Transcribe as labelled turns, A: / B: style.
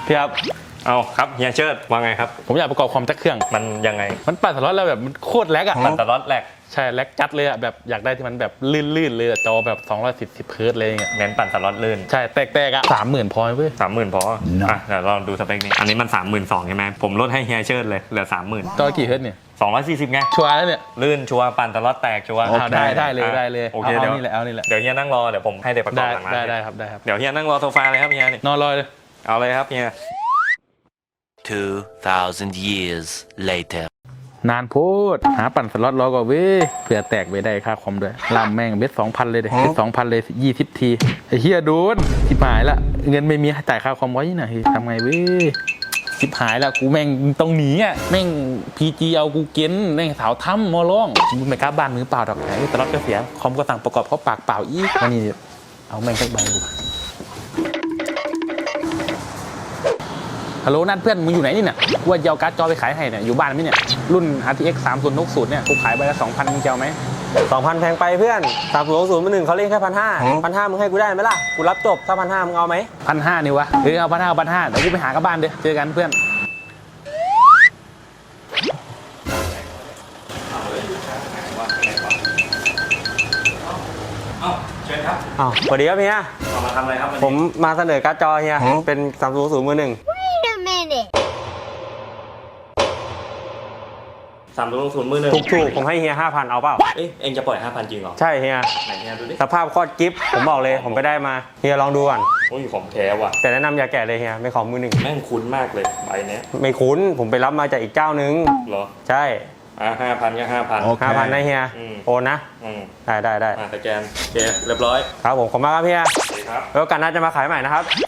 A: พี่ครับเอาครับเฮียเชิดว่าไงครับ
B: ผมอยากประกอบคอมจักเครื่อง
A: มันยังไง
B: มันปั่นสล็อตแล้วแบบมันโคตรแลกอะ
A: ปั่นสล็อตแหลก
B: ใช่แลกจัดเลยอะแบบอยากได้ที่มันแบบลื่นเลยจอแบบ240 เฮิร์ตซ์เลยอย่างเงี้ย
A: เน้นปั่นสล็อตลื่น
B: ใช่แตกอะ30,000พอเว้ย
A: 30,000พออ่ะเดี๋ยวลองดูสเปคนี้อันนี้มัน32,000ใช่ไหมผมลดให้เฮียเชิดเลยเหลือ30,000
B: จอกี่เฮิร์ตซ์เนี่ย
A: 240ไง
B: ชัวร์แล้วเนี่ย
A: ลื่นชัวร์ปั่นสล็อตแตกชัวร์
B: ได้เลย
A: โอเคเดี๋ยว
B: นี่แหละเอานี่แหละ
A: เดี๋ยวเฮียนั่งรอเดี๋ยวผมให้เด็กประกอบหลังร้าน
B: ได้ครับ
A: เดี๋ยวเฮียนั่งรอโซฟาเลยครับเฮียนี่
B: นอนรอเลย
A: เอาเลยครับเฮีย
C: 2,000 years later
B: นานโพดหาปั่นสล็อตรอก่อนเว้ยเผื่อแตกไปได้ค่าคอมด้วยลำแม่งเบ็ด2,000เลยเบ็ด2,000เลย20 ทีไอ้เฮียโดนชิบหายละเงินไม่มีจ่ายค่าคอมไว้นะทำไงเว้ยชิบหายละกูแม่งต้องหนีอ่ะแม่งพีจีเอากูเก้นแม่งสาวถ้ำมอล่องมึงไม่กล้าบ้านมือเปล่าดอกไอ้สล็อตก็เสียคอมก็สั่งประกอบเขาปากเปล่าอีกวันนี้เอาแม่งสักใบดูฮัลโหลนัดเพื่อนมึงอยู่ไหนนี่เนี่ยว่าจะเอาการ์ดจอไปขายให้เนี่ยอยู่บ้านไหมเนี่ยรุ่น RTX 3060เนี่ยกูขายใบละ 2,000 มึงจะเอาไหม
D: 2,000แพงไปเพื่อน3060มา1เขาเล่นแค่1,500มึงให้กูได้ไหมล่ะกูรับจบถ้า1,500มึงเอาไหม
B: 1,500นี่วะเอา1,500เดี๋ยวกูไปหากลับบ้านเด้อเจอกันเพื่อน
A: เชิญครับ
D: สวัสดีครับเฮีย
A: มาทำอะไรครับ
D: ผมมาเสนอการ์ดจอเฮียเป็น3060มือ1
E: Wait a minute.
A: 3060มือหนึ่ง
D: ถูกผมให้เฮีย 5,000เอาเปล่า
A: เอ็งจะปล่อย 5,000 จริงเหรอ
D: ใช่เฮีย
A: ไหนเฮียดูดิ
D: สภาพโคตรกิ๊บผมบอกเลยผมไปได้มาเฮียลองดูก่อน
A: โอ้ยของแท้ว่ะ
D: แต่แนะนำอย่าแกะเลยเฮียไม่ของมือ1
A: แม่งคุ้นมากเลยใบเนี้ย
D: ไม่คุ้นผมไปรับมาจากอีกเจ้านึง
A: เหรอ
D: ใช่
A: 5,000ก็5,000
D: 5,000นะเฮียโอนนะได้
A: สแกนโอเคเรียบร้อย
D: ครับผมขอบคุณมากครับเฮีย
A: สวัสดีครับ
D: แล้วกันน่าจะมาขายใหม่นะครับ